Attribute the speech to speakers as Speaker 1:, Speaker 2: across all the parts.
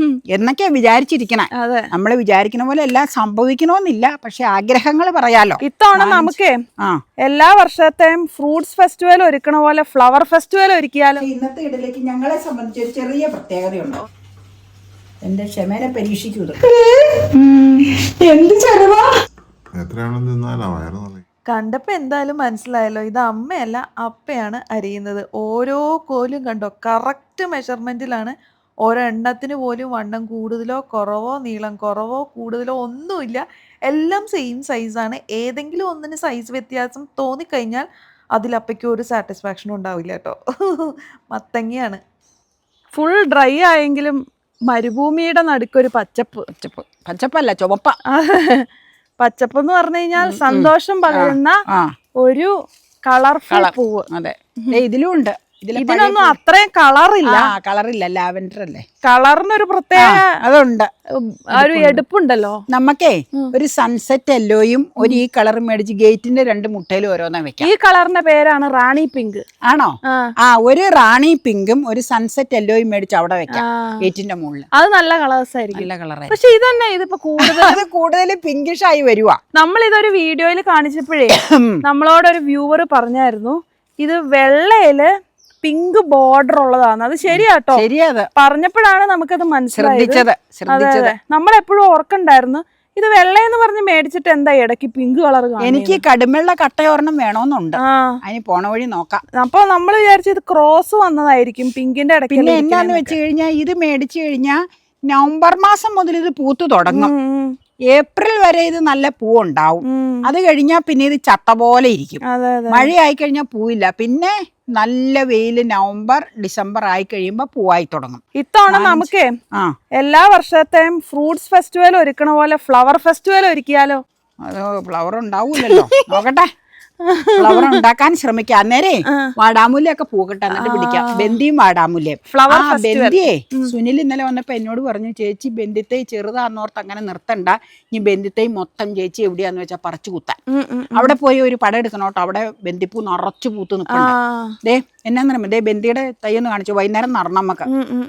Speaker 1: എന്നൊക്കെയാ വിചാരിച്ചിരിക്കണേ. നമ്മള് വിചാരിക്കുന്ന പോലെ എല്ലാം സംഭവിക്കണമെന്നില്ല, പക്ഷെ ആഗ്രഹങ്ങൾ പറയാലോ.
Speaker 2: ഇത്തവണ നമുക്ക് എല്ലാ വർഷത്തെയും ഫ്രൂട്ട്സ് ഫെസ്റ്റിവൽ ഒരുക്കണ പോലെ ഫ്ലവർ ഫെസ്റ്റിവൽ ഒരുക്കിയാലോ.
Speaker 1: ഇന്നത്തെ ഇടയിലേക്ക് ഞങ്ങളെ സംബന്ധിച്ച് ഒരു ചെറിയ പ്രത്യേകതയുണ്ടോ. എന്റെ ക്ഷമേനെ പരീക്ഷിക്കൂ. എന്ത് ചെറുതാ,
Speaker 2: കണ്ടപ്പോ എന്തായാലും മനസ്സിലായല്ലോ, ഇത് അമ്മയല്ല അപ്പയാണ് അരിയുന്നത്. ഓരോ കോലും കണ്ടോ, കറക്റ്റ് മെഷർമെന്റിലാണ്. ഓരോ എണ്ണത്തിന് പോലും വണ്ണം കൂടുതലോ കുറവോ നീളം കുറവോ കൂടുതലോ ഒന്നുമില്ല, എല്ലാം സെയിം സൈസാണ്. ഏതെങ്കിലും ഒന്നിന് സൈസ് വ്യത്യാസം തോന്നിക്കഴിഞ്ഞാൽ അതിലപ്പയ്ക്ക് ഒരു സാറ്റിസ്ഫാക്ഷനും ഉണ്ടാവില്ല കേട്ടോ. മത്തങ്ങയാണ്. ഫുൾ ഡ്രൈ ആയെങ്കിലും മരുഭൂമിയുടെ നടുക്കൊരു പച്ചപ്പ്.
Speaker 1: പച്ചപ്പല്ല, ചുവപ്പ.
Speaker 2: പച്ചപ്പ് എന്ന് പറഞ്ഞു കഴിഞ്ഞാൽ സന്തോഷം പകരുന്ന ഒരു കളർഫുൾ പൂവ്.
Speaker 1: അതെ, ഇതിലും ഉണ്ട്.
Speaker 2: ഇതിനൊന്നും അത്രയും കളറില്ല.
Speaker 1: കളറില്ല, ലാവൻഡർ അല്ലേ.
Speaker 2: കളറിനൊരു പ്രത്യേക
Speaker 1: അതുണ്ട്,
Speaker 2: ഒരു എടുപ്പുണ്ടല്ലോ.
Speaker 1: നമുക്കേ ഒരു സൺസെറ്റ് യെല്ലോയും ഒരു ഈ കളർ മേടിച്ച് ഗേറ്റിന്റെ 2 മുട്ടയിലും ഓരോന്നാ വെക്കാം.
Speaker 2: ഈ കളറിന്റെ പേരാണ് റാണി പിങ്ക്.
Speaker 1: ആണോ? ഒരു റാണി പിങ്കും ഒരു സൺസെറ്റ് യെല്ലോയും മേടിച്ച് അവിടെ വെക്കാം ഗേറ്റിന്റെ മുകളിൽ.
Speaker 2: അത് നല്ല കളേഴ്സ് ആയിരിക്കും.
Speaker 1: നല്ല കളർ.
Speaker 2: പക്ഷെ ഇതന്നെ ഇതിപ്പോ
Speaker 1: കൂടുതൽ പിങ്കിഷ് ആയി വരുവാ.
Speaker 2: നമ്മൾ ഇതൊരു വീഡിയോയിൽ കാണിച്ചപ്പോഴേ നമ്മളോടൊരു വ്യൂവർ പറഞ്ഞായിരുന്നു, ഇത് വെള്ളയില് പിങ്ക് ബോർഡർ ഉള്ളതാണ്. അത് ശരിയാട്ടോ, പറഞ്ഞപ്പോഴാണ് നമുക്കത് മനസ്സിലായത്. നമ്മളെപ്പോഴും ഓർക്കണ്ടായിരുന്നു, ഇത് വെള്ളയെന്ന് പറഞ്ഞ് മേടിച്ചിട്ട് എന്താ ഇടയ്ക്ക് പിങ്ക് കളർ.
Speaker 1: എനിക്ക് കടുമെള്ള കട്ടയോർണം വേണോന്നുണ്ട്, അതിന് പോണ വഴി നോക്കാം.
Speaker 2: അപ്പൊ നമ്മൾ വിചാരിച്ചു ഇത് ക്രോസ് വന്നതായിരിക്കും പിങ്കിന്റെ ഇടയ്ക്ക്.
Speaker 1: പിന്നെ എന്നാന്ന് വെച്ച് കഴിഞ്ഞാൽ ഇത് മേടിച്ചു കഴിഞ്ഞാൽ നവംബർ മാസം മുതൽ ഇത് പൂത്തു തുടങ്ങും. ഏപ്രിൽ വരെ ഇത് നല്ല പൂവുണ്ടാവും. അത് കഴിഞ്ഞാൽ പിന്നെ ഇത് ചട്ട പോലെ ഇരിക്കും. മഴയായി കഴിഞ്ഞാൽ പൂവില്ല. പിന്നെ നല്ല വെയില് നവംബർ ഡിസംബർ ആയി കഴിയുമ്പോ പൂവായി തുടങ്ങും.
Speaker 2: ഇത്തവണ നമുക്ക് എല്ലാ വർഷത്തെയും ഫ്രൂട്ട്സ് ഫെസ്റ്റിവൽ ഒരുക്കണ പോലെ ഫ്ലവർ ഫെസ്റ്റിവൽ ഒരുക്കിയാലോ.
Speaker 1: അത് ഫ്ലവർ ഉണ്ടാവൂലല്ലോ, നോക്കട്ടെ. ഫ്ലവർ ഉണ്ടാക്കാൻ ശ്രമിക്കാം. അന്നേരേ വാടാമുല്ലയൊക്കെ പൂക്കട്ടെ, എന്നിട്ട് പിടിക്കാം. ബന്ദിയും വാടാമുല്ലയും. ബന്ദിയേ സുനിൽ ഇന്നലെ വന്നപ്പോ എന്നോട് പറഞ്ഞു, ചേച്ചി ബന്ദിത്തൈ ചെറുതാന്നോർത്ത് അങ്ങനെ നിർത്തണ്ട, ഇനി ബന്ദിത്തൈ മൊത്തം ചേച്ചി എവിടെയാന്ന് വെച്ചാൽ പറിച്ചു കുത്താൻ. അവിടെ പോയി ഒരു പടം എടുക്കണോട്ടോ. അവിടെ ബന്ദിപ്പൂ നിറച്ചു പൂത്ത് നിൽപ്പുണ്ട്. ദേ എന്നാന്ന് ദേ ബന്ദിയുടെ തൈന്ന് കാണിച്ചു, വൈകുന്നേരം നടണം നമുക്ക്.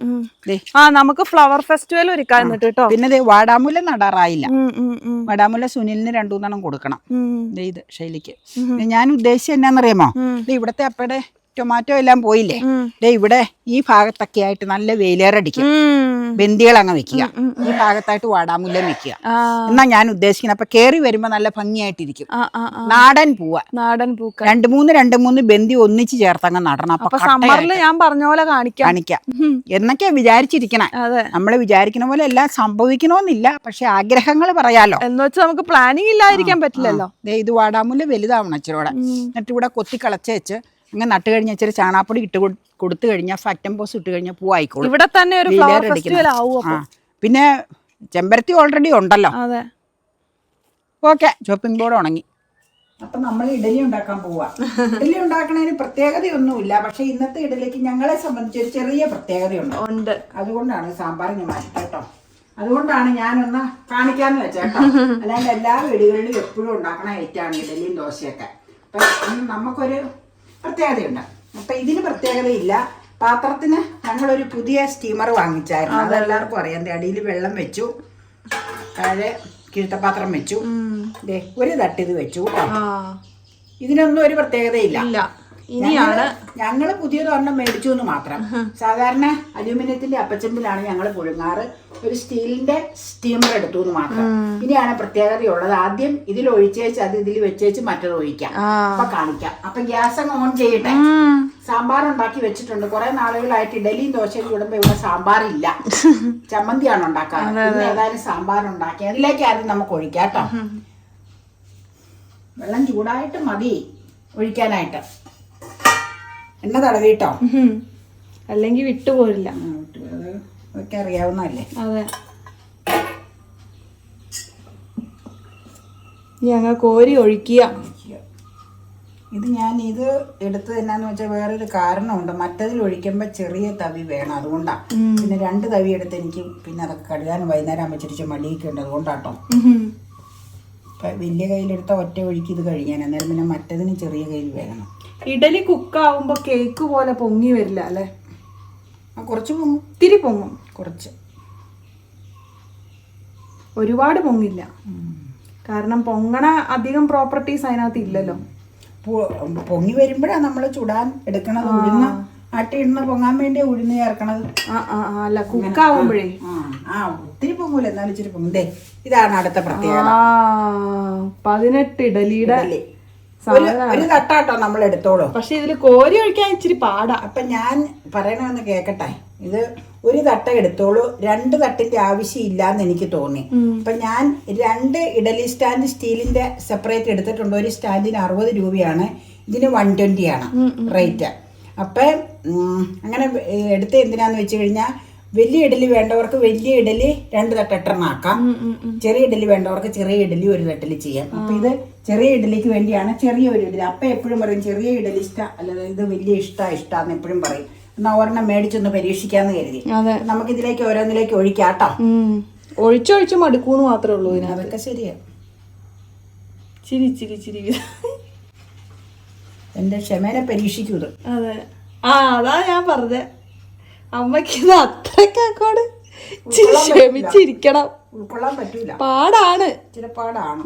Speaker 2: നമുക്ക് ഫ്ലവർ ഫെസ്റ്റിവൽ ഒരുക്കാൻ കേട്ടോ.
Speaker 1: പിന്നെ ദേ വാടാമുല്ല നടാറായില്ല. വാടാമുല്ല സുനിലിന് 2-3 കൊടുക്കണം. ദേ ഇത് ശൈലിക്ക്. ഞാൻ ഉദ്ദേശിച്ചത് എന്നാന്നറിയാമോ, ഇവിടത്തെ അപ്പയുടെ ടൊമാറ്റോ എല്ലാം പോയില്ലേ, ഇവിടെ ഈ ഭാഗത്തൊക്കെ ആയിട്ട് നല്ല വെയിലേറടിക്കും. ബന്ദികൾ അങ്ങ് വെക്കുക, ഈ ഭാഗത്തായിട്ട് വാടാമുല്ല വെക്കുക. എന്നാ ഞാൻ ഉദ്ദേശിക്കുന്നത്. അപ്പൊ കേറി വരുമ്പോ നല്ല ഭംഗിയായിട്ടിരിക്കും. നാടൻ പൂവ,
Speaker 2: നാടൻ പൂക്കൾ
Speaker 1: 2-3 ബന്ദി ഒന്നിച്ച് ചേർത്തങ്ങ് നടണം.
Speaker 2: അപ്പൊ സമ്മറിൽ ഞാൻ പറഞ്ഞ പോലെ കാണിക്കാം
Speaker 1: എന്നൊക്കെയാ വിചാരിച്ചിരിക്കണേ. നമ്മള് വിചാരിക്കുന്ന പോലെ എല്ലാം സംഭവിക്കണമെന്നില്ല, പക്ഷെ ആഗ്രഹങ്ങൾ പറയാലോ.
Speaker 2: എന്ന് വെച്ചാൽ നമുക്ക് പ്ലാനിങ് ഇല്ലാതിരിക്കാൻ പറ്റില്ലല്ലോ.
Speaker 1: ഇത് വാടാമുല്ല വലുതാവണം ഇച്ചിരൂടെ. എന്നിട്ട് ഇവിടെ കൊത്തി കളച്ച് വെച്ച് അങ്ങനെ നട്ട് കഴിഞ്ഞാൽ ഇച്ചിരി ചാണാപ്പൊടി ഇട്ട് കൊടുത്തു കഴിഞ്ഞാൽ ഫാക്ടംബോസ് ഇട്ട് കഴിഞ്ഞാൽ പൂവായിക്കോളും.
Speaker 2: ഇവിടെ തന്നെ ഒരു ഫ്ലവർ ഫെസ്റ്റിവൽ ആവും.
Speaker 1: പിന്നെ ചെമ്പരത്തി ഓൾറെഡി ഉണ്ടല്ലോ. ഓക്കെ, ചോപ്പിംഗ് ബോർഡ് ഉണങ്ങി. അപ്പൊ നമ്മൾ ഇഡലി ഉണ്ടാക്കാൻ പോവാ. ഇഡലി ഉണ്ടാക്കണതിന് പ്രത്യേകതയൊന്നുമില്ല, പക്ഷെ ഇന്നത്തെ ഇഡലിക്ക് ഞങ്ങളെ സംബന്ധിച്ച് ഒരു ചെറിയ പ്രത്യേകതയുണ്ട്. അതുകൊണ്ടാണ് സാമ്പാർ ഞാൻ മാറ്റി കേട്ടോ. അതുകൊണ്ടാണ് ഞാനൊന്ന് കാണിക്കാന്ന് വെച്ചേട്ടോ. അല്ലാണ്ട് എല്ലാ വീടുകളിലും എപ്പോഴും ഉണ്ടാക്കണ ഐറ്റാണ് ഇഡലിയും ദോശയൊക്കെ. അപ്പൊ നമുക്കൊരു പ്രത്യേകതയുണ്ട്. അപ്പൊ ഇതിന് പ്രത്യേകതയില്ല. പാത്രത്തിന് ഞങ്ങളൊരു പുതിയ സ്റ്റീമർ വാങ്ങിച്ചായിരുന്നു. അതെല്ലാവർക്കും അറിയാം. അടിയിൽ വെള്ളം വെച്ചു, താഴെ കിഴുത്തപാത്രം വെച്ചു, ഒരു തട്ടിത് വെച്ചു കേട്ടോ. ഇതിനൊന്നും ഒരു പ്രത്യേകതയില്ല. ഞങ്ങള് പുതിയതൊരെണ്ണം മേടിച്ചു എന്ന് മാത്രം. സാധാരണ അലൂമിനിയത്തിന്റെ അപ്പച്ചമ്പിലാണ് ഞങ്ങൾ പുഴുങ്ങാറ്. ഒരു സ്റ്റീലിന്റെ സ്റ്റീമർ എടുത്തു എന്ന് മാത്രം. ഇനിയാണ് പ്രത്യേകതയുള്ളത്. ആദ്യം ഇതിൽ ഒഴിച്ചേച്ച് അത് ഇതിൽ വെച്ചേച്ച് മറ്റത് ഒഴിക്കാം. അപ്പൊ കാണിക്കാം. അപ്പൊ ഗ്യാസ് അങ്ങ് ഓൺ ചെയ്യട്ടെ. സാമ്പാർ ഉണ്ടാക്കി വെച്ചിട്ടുണ്ട്. കുറെ നാളുകളായിട്ട് ഇഡലിയും ദോശയും ചൂടുമ്പോ ഇവിടെ സാമ്പാറില്ല, ചമ്മന്തിയാണ് ഉണ്ടാക്കാറ്. ഏതായാലും സാമ്പാർ ഉണ്ടാക്കി അതിലേക്ക് ആദ്യം നമുക്ക് ഒഴിക്കാം കേട്ടോ. വെള്ളം ചൂടായിട്ട് മതി ഒഴിക്കാനായിട്ട്. എണ്ണ തടവിട്ടോ,
Speaker 2: അല്ലെങ്കിൽ വിട്ടുപോരില്ല.
Speaker 1: അതൊക്കെ അറിയാവുന്നല്ലേ.
Speaker 2: അതെ, ഞങ്ങൾ കോരി ഒഴിക്കുക.
Speaker 1: ഇത് ഞാൻ ഇത് എടുത്തത് എന്നാന്ന് വെച്ചാൽ വേറൊരു കാരണമുണ്ട്. മറ്റതിൽ ഒഴിക്കുമ്പോൾ ചെറിയ തവി വേണം, അതുകൊണ്ടാണ്. പിന്നെ 2 തവി എടുത്ത് എനിക്ക് പിന്നെ അതൊക്കെ കഴുകാനും വൈകുന്നേരം വെച്ചിട്ട് മടിയൊക്കെ ഉണ്ട്, അതുകൊണ്ടാട്ടോ. വലിയ കയ്യിലെടുത്ത ഒറ്റ ഒഴിക്ക് ഇത് കഴിയാൻ. അന്നേരം പിന്നെ മറ്റതിന് ചെറിയ കയ്യിൽ വേണം.
Speaker 2: ഇഡലി കുക്കാവുമ്പോ കേക്ക് പോലെ പൊങ്ങി വരില്ല അല്ലേ?
Speaker 1: കുറച്ച് പൊങ്ങും,
Speaker 2: തിരി പൊങ്ങും കുറച്ച്. ഒരുപാട് പൊങ്ങില്ല, കാരണം പൊങ്ങണ അധികം പ്രോപ്പർട്ടീസ് അതിനകത്ത് ഇല്ലല്ലോ.
Speaker 1: പൊങ്ങി വരുമ്പോഴാണ് നമ്മൾ ചുടാൻ എടുക്കണത്. ഉഴുന്ന് ആട്ടി ഇടുന്ന പൊങ്ങാൻ വേണ്ടി ഉഴുന്ന് ചേർക്കണത്.
Speaker 2: അല്ല കുക്കാവുമ്പോഴേ
Speaker 1: ഒത്തിരി പൊങ്ങൂല, എന്നാലും ഇച്ചിരി പൊങ്ങും. ഇതാണ് അടുത്ത പ്രത്യേകത.
Speaker 2: 18 ഇഡലിയുടെ
Speaker 1: ഒരു തട്ടാട്ടോ നമ്മൾ എടുത്തോളൂ.
Speaker 2: പക്ഷെ ഇതില് കോരി ഒഴിക്കാൻ ഇച്ചിരി പാടാ.
Speaker 1: അപ്പൊ ഞാൻ പറയണമെന്ന് കേക്കട്ടെ, ഇത് ഒരു തട്ട എടുത്തോളൂ, 2 തട്ടിന്റെ ആവശ്യം ഇല്ലാന്ന് എനിക്ക് തോന്നി. അപ്പൊ ഞാൻ 2 ഇഡലി സ്റ്റാൻഡ് സ്റ്റീലിന്റെ സെപ്പറേറ്റ് എടുത്തിട്ടുണ്ട്. ഒരു സ്റ്റാൻഡിന് 60 രൂപയാണ്, ഇതിന് 120 ആണ് റേറ്റ്. അപ്പൊ അങ്ങനെ എടുത്ത് എന്തിനാന്ന് വെച്ച് കഴിഞ്ഞാൽ വലിയ ഇഡലി വേണ്ടവർക്ക് വലിയ ഇഡലി 2 തട്ടെണ്ണാക്കാം, ചെറിയ ഇഡലി വേണ്ടവർക്ക് ചെറിയ ഇഡലി ഒരു തട്ടിൽ ചെയ്യാം. അപ്പൊ ഇത് ചെറിയ ഇഡലിക്ക് വേണ്ടിയാണ് ചെറിയ ഒരു ഇഡലി. അപ്പൊ എപ്പോഴും പറയും ചെറിയ ഇഡലി ഇഷ്ടം, അല്ലാതെ ഇത് വലിയ ഇഷ്ടാന്ന് എപ്പോഴും പറയും. എന്നാ ഒരെണ്ണം മേടിച്ചൊന്ന് പരീക്ഷിക്കാന്ന് കരുതി. നമുക്ക് ഇതിലേക്ക് ഓരോന്നിലേക്ക് ഒഴിക്കാട്ടോ.
Speaker 2: ഒഴിച്ചൊഴിച്ച് മടുക്കൂന്ന് മാത്രമേ ഉള്ളൂ.
Speaker 1: അതൊക്കെ ശരിയാ.
Speaker 2: ചിരി ചിരി ചിരി
Speaker 1: എന്റെ ക്ഷമേനെ പരീക്ഷിക്കൂത്.
Speaker 2: അതെ, അതാ ഞാൻ പറഞ്ഞത്. അമ്മക്ക് ഇത് അത്രക്കോട് ക്ഷമിച്ചിരിക്കണം.
Speaker 1: ഉൾക്കൊള്ളാൻ പറ്റൂല,
Speaker 2: പാടാണ്,
Speaker 1: ചില പാടാണ്.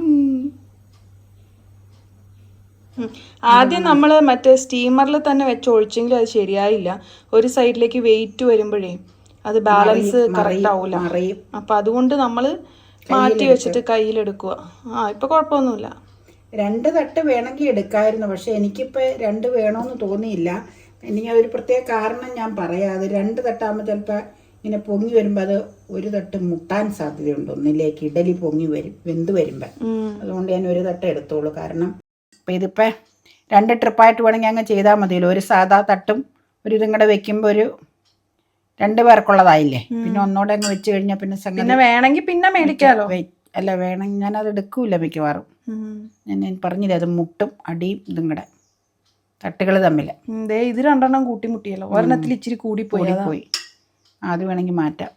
Speaker 2: ആദ്യം നമ്മൾ മറ്റേ സ്റ്റീമറിൽ തന്നെ വെച്ച് ഒഴിച്ചെങ്കിലും അത് ശരിയായില്ല. ഒരു സൈഡിലേക്ക് വെയിറ്റ് വരുമ്പോഴേ അത് ബാലൻസ് കറക്റ്റ് ആവൂല. അപ്പൊ അതുകൊണ്ട് നമ്മൾ മാറ്റി വെച്ചിട്ട് കയ്യിലെടുക്കുക. ഇപ്പൊ കുഴപ്പമൊന്നുമില്ല.
Speaker 1: 2 തട്ട് വേണമെങ്കിൽ എടുക്കായിരുന്നു, പക്ഷെ എനിക്കിപ്പോ 2 വേണമെന്ന് തോന്നിയില്ല. എനിക്ക് ഒരു പ്രത്യേക കാരണം ഞാൻ പറയാം. അത് 2 തട്ടാകുമ്പോൾ ചിലപ്പോൾ ഇങ്ങനെ പൊങ്ങി വരുമ്പോൾ അത് ഒരു തട്ട് മുട്ടാൻ സാധ്യതയുണ്ട്. ഒന്നിലേക്ക് ഇഡലി പൊങ്ങി വരും വെന്ത് വരുമ്പോൾ. അതുകൊണ്ട് ഞാൻ ഒരു തട്ട് എടുത്തോളൂ. കാരണം അപ്പം ഇതിപ്പോൾ 2 ട്രിപ്പായിട്ട് വേണമെങ്കിൽ അങ്ങ് ചെയ്താൽ മതിയല്ലോ. ഒരു സാധാ തട്ടും ഒരു ഇതും കൂടെ വെക്കുമ്പോൾ ഒരു 2 പേർക്കുള്ളതായില്ലേ. പിന്നെ ഒന്നോടെ അങ്ങ് വെച്ച് കഴിഞ്ഞാൽ പിന്നെ
Speaker 2: വേണമെങ്കിൽ പിന്നെ മേടിക്കാമല്ലോ.
Speaker 1: അല്ല വേണമെങ്കിൽ ഞാനത് എടുക്കൂല മിക്കവാറും. ഞാൻ പറഞ്ഞില്ലേ, അത് മുട്ടും അടിയും ഇതും കൂടെ തട്ടുകൾ തമ്മിൽ.
Speaker 2: ഇത് 2 എണ്ണം കൂട്ടിമുട്ടിയല്ലോ. ഒരെണ്ണത്തിൽ ഇച്ചിരി കൂടിപ്പോയി.
Speaker 1: അത് വേണമെങ്കിൽ മാറ്റാം.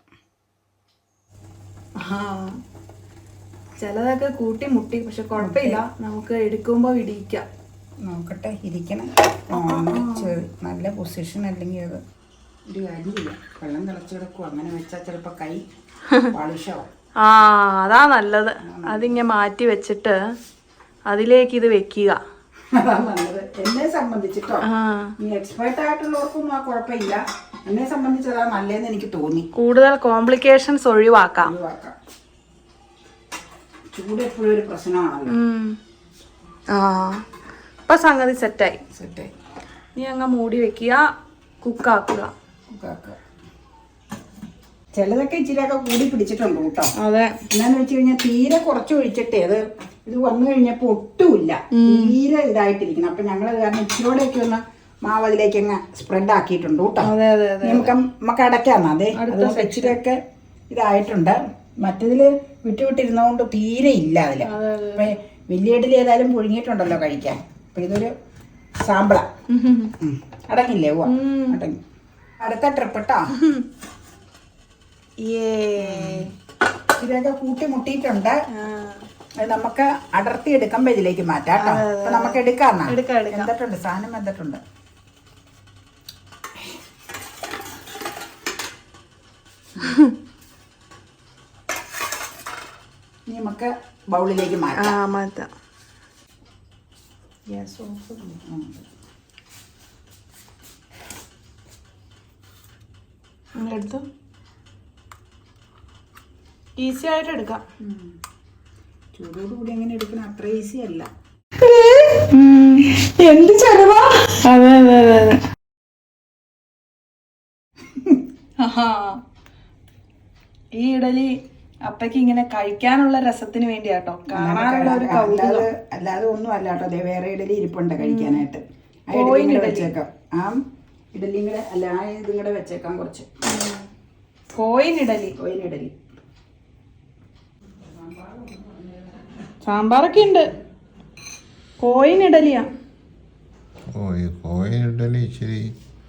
Speaker 2: ചിലതൊക്കെ കൂട്ടിമുട്ടി, പക്ഷെ കുഴപ്പമില്ല, നമുക്ക് എടുക്കുമ്പോൾ ഇടിക്കാം.
Speaker 1: നോക്കട്ടെ, ഇരിക്കണം. നല്ല പൊസിഷൻ അല്ലെങ്കിൽ അത് ഒരു കാര്യമില്ല. വെള്ളം തിളച്ച് കിടക്കും. അങ്ങനെ വെച്ചാൽ ചിലപ്പോൾ കൈ പാളിഷാവും.
Speaker 2: അതാ നല്ലത്. അതിങ്ങനെ മാറ്റി വെച്ചിട്ട് അതിലേക്ക് ഇത് വെക്കുക.
Speaker 1: അതാണ് നല്ലത് എന്നെ സംബന്ധിച്ചിട്ടോ. ഈ എക്സ്പേർട്ട് ആയിട്ടുള്ളവർക്കൊന്നും ആ കുഴപ്പമില്ല. എന്നെ സംബന്ധിച്ച് അതാ നല്ലതെന്ന് എനിക്ക് തോന്നി.
Speaker 2: കൂടുതൽ കോംപ്ലിക്കേഷൻസ് ഒഴിവാക്കാം.
Speaker 1: ചൂട് എപ്പോഴും ഒരു പ്രശ്നമാണല്ലോ.
Speaker 2: ഇപ്പൊ സംഗതി സെറ്റായി. നീ അങ്ങ് മൂടി വെക്കുക, കുക്കാക്കുക.
Speaker 1: ചിലതൊക്കെ ഇച്ചിരിയൊക്കെ കൂടി പിടിച്ചിട്ടുണ്ട് കേട്ടോ.
Speaker 2: അതെ,
Speaker 1: എന്നാന്ന് വെച്ച് കഴിഞ്ഞാൽ തീരെ കുറച്ച് ഒഴിച്ചിട്ടേ അത് ഇത് വന്നു കഴിഞ്ഞപ്പോ ഒട്ടുമില്ല, തീരെ ഇതായിട്ടിരിക്കണം. അപ്പൊ ഞങ്ങൾ കാരണം ഇച്ചിരിയോടെയൊക്കെ ഒന്ന് മാവ് അതിലേക്ക് അങ്ങ് സ്പ്രെഡ് ആക്കിയിട്ടുണ്ട് കേട്ടോ. നമുക്ക് അടയ്ക്കാന്നാ. അതെ, അതുകൊണ്ട് ഇച്ചിരിയൊക്കെ ഇതായിട്ടുണ്ട്. മറ്റതില് വിട്ടുവിട്ടിരുന്നതുകൊണ്ട് തീരെ ഇല്ല അതില്. അപ്പൊ വലിയ ഇഡലി ഏതായാലും പുഴുങ്ങിയിട്ടുണ്ടല്ലോ കഴിക്കാൻ. അപ്പൊ ഇതൊരു സാമ്പിള. അടങ്ങില്ലേ? ഓ അടങ്ങി. അടുത്ത ട്രിപ്പ് കേട്ടോ. ഇതൊക്കെ കൂട്ടി മുട്ടിയിട്ടുണ്ട്. അത് നമുക്ക് അടർത്തി എടുക്കുമ്പോ ഇതിലേക്ക് മാറ്റാം കേട്ടോ. അപ്പൊ നമുക്ക് എടുക്കാന്നാ. എന്തിട്ടുണ്ട് സാധനം? എന്തിട്ടുണ്ട്? നമുക്ക് ബൗളിലേക്ക് മാറ്റാം.
Speaker 2: എടുത്തു ഈസി ആയിട്ട് എടുക്കാം.
Speaker 1: ചൂടോടുകൂടി എങ്ങനെ എടുക്കണം? അത്ര ഈസി അല്ല.
Speaker 2: എന്ത് ചെലവാ. അതെ അതെ അതെ അതെ. ഈ ഇഡലി അപ്പക്ക് ഇങ്ങനെ കഴിക്കാനുള്ള രസത്തിന് വേണ്ടിയാട്ടോ, കാണാനുള്ള ഒരു കൗതുകം.
Speaker 1: അല്ലാതെ ഒന്നും അല്ല കേട്ടോ. അതെ, വേറെ ഇഡലി ഇരിപ്പുണ്ട് കഴിക്കാനായിട്ട്. വെച്ചേക്കാം. ആ ഇഡലിയും കൂടെ അല്ല, ആ ഇതും കൂടെ വെച്ചേക്കാം. കുറച്ച്
Speaker 2: കോയിൻ ഇഡലി സാമ്പാറൊക്കെ ഉണ്ട്. കോയിൻ ഇഡലിയാ.
Speaker 3: കോയിൻ ഇഡലി ഇച്ചിരി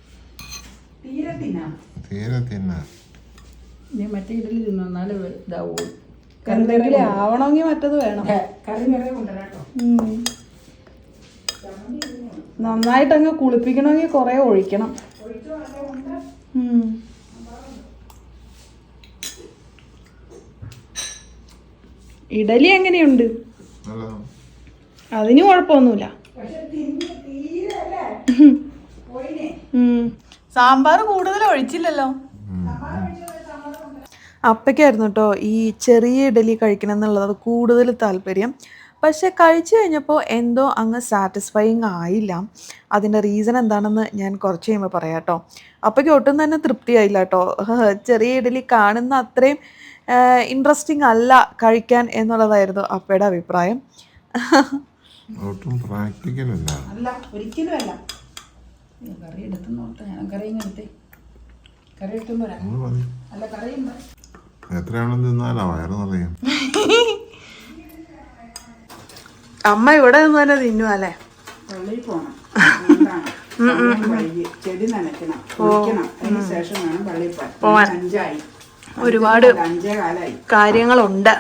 Speaker 3: തീരെ തിന്നാ.
Speaker 1: മറ്റേ ഇഡലി തിന്നാല് ഇതാവൂ.
Speaker 2: എന്തെങ്കിലും ആവണമെങ്കിൽ മറ്റത് വേണം.
Speaker 1: കറി വേറെ കൊണ്ടുവരാട്ടോ.
Speaker 2: നന്നായിട്ടങ്ങ് കുളിപ്പിക്കണമെങ്കിൽ കുറെ ഒഴിക്കണം. ഇഡലി എങ്ങനെയുണ്ട്?
Speaker 3: നല്ലതാണ്.
Speaker 2: അതിന് കുഴപ്പമൊന്നുമില്ല. സാമ്പാർ കൂടുതൽ ഒഴിച്ചില്ലല്ലോ. അപ്പയ്ക്കായിരുന്നു കേട്ടോ ഈ ചെറിയ ഇഡലി കഴിക്കണം എന്നുള്ളത് കൂടുതൽ താല്പര്യം. പക്ഷെ കഴിച്ചു കഴിഞ്ഞപ്പോൾ എന്തോ അങ്ങ് സാറ്റിസ്ഫൈയിങ് ആയില്ല. അതിൻ്റെ റീസൺ എന്താണെന്ന് ഞാൻ കുറച്ച് കഴിയുമ്പോൾ പറയാം കേട്ടോ. അപ്പയ്ക്ക് ഒട്ടും തന്നെ തൃപ്തിയായില്ല കേട്ടോ. ചെറിയ ഇഡലി കാണുന്ന അത്രയും ഇൻട്രസ്റ്റിംഗ് അല്ല കഴിക്കാൻ എന്നുള്ളതായിരുന്നു അപ്പയുടെ അഭിപ്രായം.
Speaker 3: ഒട്ടും പ്രാക്ടിക്കലല്ല.
Speaker 1: അല്ല, ഒരിക്കലും അല്ല. കറി എടുത്തുന്നോട്ടെ, ഞാൻ കറിയും എടുത്തേ. കറി എടുത്തുമ്പോ അല്ല കറിയും
Speaker 3: എത്രയാണെന്ന് തിന്നാലാ വയറ് നിറയും.
Speaker 2: അമ്മ ഇവിടെ നിന്ന് തന്നെ തിന്നു അല്ലേ?
Speaker 1: പള്ളിയിൽ പോണം. ചെടി നനയ്ക്കണം, കുളിക്കണം. അതിന് ശേഷം വേണം പള്ളിയിൽ പോവാൻ. 5
Speaker 2: ഒരുപാട്
Speaker 1: 5
Speaker 2: കാര്യങ്ങളുണ്ട്.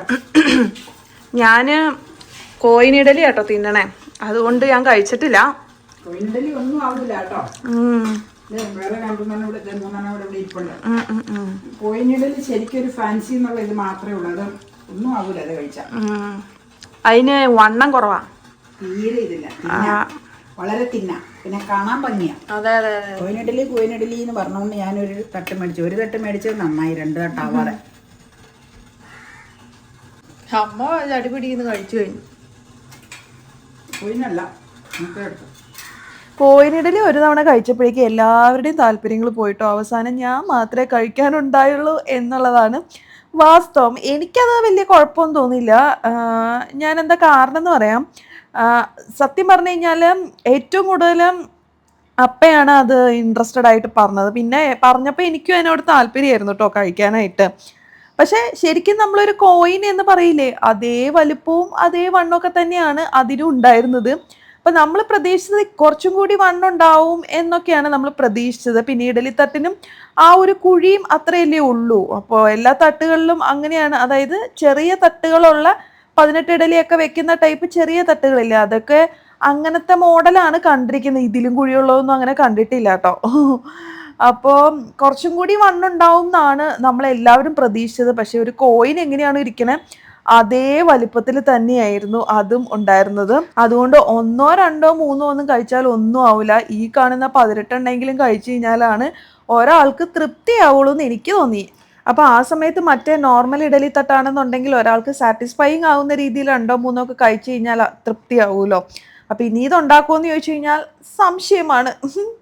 Speaker 2: ഞാന് കോയിനിഡലി കേട്ടോ തിന്നണേ, അതുകൊണ്ട് ഞാൻ കഴിച്ചിട്ടില്ല.
Speaker 1: കോയിനിഡലി ഒന്നും ആവില്ല കേട്ടോ. വേറെ 2-3 ഇവിടെ ഇരിപ്പുണ്ട്. കോയിനിഡലി ശരിക്കും ഒരു ഫാൻസി എന്നുള്ള ഇത് മാത്രമേ ഉള്ളൂ. അത് ഒന്നും ആവൂല അത് കഴിച്ചാൽ.
Speaker 2: അതിന് വണ്ണം കുറവാ,
Speaker 1: തീരെ ഇതില്ല. വളരെ തിന്ന, പിന്നെ കാണാൻ ഭംഗിയാ.
Speaker 2: അതെ അതെ അതെ.
Speaker 1: കോയിനിഡലി എന്ന് പറഞ്ഞുകൊണ്ട് ഞാനൊരു തട്ട് മേടിച്ചു. ഒരു തട്ട് മേടിച്ചത് നന്നായി, 2 തട്ടാവാതെ.
Speaker 2: അമ്മ അടിപിടിന്ന് കഴിച്ചു കഴിഞ്ഞു.
Speaker 1: കോയിനല്ല, നമുക്ക് എടുത്തു.
Speaker 2: കോയിനിഡലി ഒരു തവണ കഴിച്ചപ്പോഴേക്കും എല്ലാവരുടെയും താല്പര്യങ്ങൾ പോയിട്ടോ. അവസാനം ഞാൻ മാത്രമേ കഴിക്കാനുണ്ടായുള്ളൂ എന്നുള്ളതാണ് വാസ്തവം. എനിക്കത് വലിയ കുഴപ്പമൊന്നും തോന്നിയില്ല. ഞാൻ എന്താ കാരണം എന്ന് പറയാം. സത്യം പറഞ്ഞു കഴിഞ്ഞാൽ ഏറ്റവും കൂടുതൽ അപ്പയാണ് അത് ഇൻട്രസ്റ്റഡ് ആയിട്ട് പറഞ്ഞത്. പിന്നെ പറഞ്ഞപ്പോൾ എനിക്കും അതിനോട് താല്പര്യമായിരുന്നു കേട്ടോ കഴിക്കാനായിട്ട്. പക്ഷെ ശരിക്കും നമ്മളൊരു കോയിൻ എന്ന് പറയില്ലേ, അതേ വലുപ്പവും അതേ വണ്ണമൊക്കെ തന്നെയാണ് അതിനും ഉണ്ടായിരുന്നത്. അപ്പം നമ്മൾ പ്രതീക്ഷിച്ചത് കുറച്ചും കൂടി വണ്ണുണ്ടാവും എന്നൊക്കെയാണ് നമ്മൾ പ്രതീക്ഷിച്ചത്. പിന്നെ ഇഡലിത്തട്ടിനും ആ ഒരു കുഴിയും അത്രയല്ലേ ഉള്ളൂ. അപ്പോൾ എല്ലാ തട്ടുകളിലും അങ്ങനെയാണ്. അതായത് ചെറിയ തട്ടുകളുള്ള 18 ഇഡലിയൊക്കെ വെക്കുന്ന ടൈപ്പ് ചെറിയ തട്ടുകളില്ലേ, അതൊക്കെ അങ്ങനത്തെ മോഡലാണ് കണ്ടിരിക്കുന്നത്. ഇതിലും കുഴിയുള്ളതൊന്നും അങ്ങനെ കണ്ടിട്ടില്ല കേട്ടോ. അപ്പോൾ കുറച്ചും കൂടി വണ്ണുണ്ടാവും എന്നാണ് നമ്മളെല്ലാവരും പ്രതീക്ഷിച്ചത്. പക്ഷെ ഒരു കോയിൻ എങ്ങനെയാണ് ഇരിക്കണേ അതേ വലിപ്പത്തിൽ തന്നെയായിരുന്നു അതും ഉണ്ടായിരുന്നത്. അതുകൊണ്ട് 1, 2, 3 ഒന്നും കഴിച്ചാൽ ഒന്നും ആവില്ല. ഈ കാണുന്ന 18 എണ്ണെങ്കിലും കഴിച്ചു കഴിഞ്ഞാലാണ് ഒരാൾക്ക് തൃപ്തിയാവുള്ളൂ എന്ന് എനിക്ക് തോന്നി. അപ്പോൾ ആ സമയത്ത് മറ്റേ നോർമൽ ഇഡലി തട്ടാണെന്നുണ്ടെങ്കിൽ ഒരാൾക്ക് സാറ്റിസ്ഫൈയിങ് ആവുന്ന രീതിയിൽ 2, 3 ഒക്കെ കഴിച്ചു കഴിഞ്ഞാൽ തൃപ്തിയാവുമല്ലോ. അപ്പോൾ ഇനി ഇതുണ്ടാക്കുമെന്ന് ചോദിച്ചു കഴിഞ്ഞാൽ സംശയമാണ്.